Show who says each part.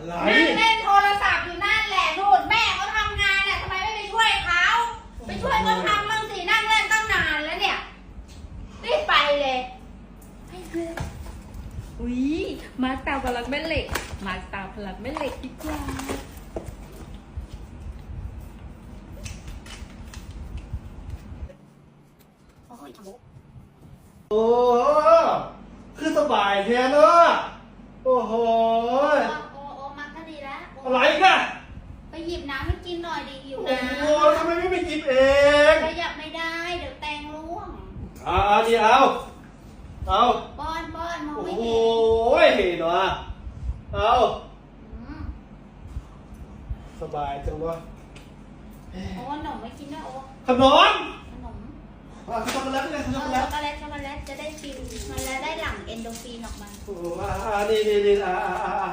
Speaker 1: อะไร
Speaker 2: นั่งเล่นโทรศัพท์อยู่นั่นแหละนู่นแม่เขาทำงานน่ะทำไมไม่ไปช่วยเขาไปช่วยเขาทำบ้างสินั่งเล่นตั้งนานแล้วเนี่ยรีบไปเลย
Speaker 3: อุ๊ยมาร์คตาพลังแม่เหล็กมาร์คตาพลังแม่เหล็กดีกว่า
Speaker 1: โอ้คือสบายแท้เนอะโอ้โห
Speaker 2: โอ้มาก็ดีแล้ว
Speaker 1: อะไรกัน
Speaker 2: ไปหยิบน้ำให้กินหน่อยดีอยู่
Speaker 1: โอ้
Speaker 2: นะ
Speaker 1: โหทำไมไม่ไปหยิบเอง
Speaker 2: ขยับไม่ได้เดี๋ยวแตงร่วง
Speaker 1: ดีเอา
Speaker 2: ป้อนมอง
Speaker 1: โอ้
Speaker 2: ไม่
Speaker 1: โห
Speaker 2: เห็น
Speaker 1: เนาะเอา
Speaker 2: อืม
Speaker 1: สบายจังวะ
Speaker 2: โอ้ขนมไม่กินด้วยโอ้
Speaker 1: ขนม
Speaker 2: ขนม
Speaker 1: ช็อกโกแลตเลยช็อกโกแล
Speaker 2: ช็อ
Speaker 1: ต
Speaker 2: กโกแลตจะได้ฟิลมันแล้วได้หลั่งเอนโดรฟินออกมา
Speaker 1: โอ้นี่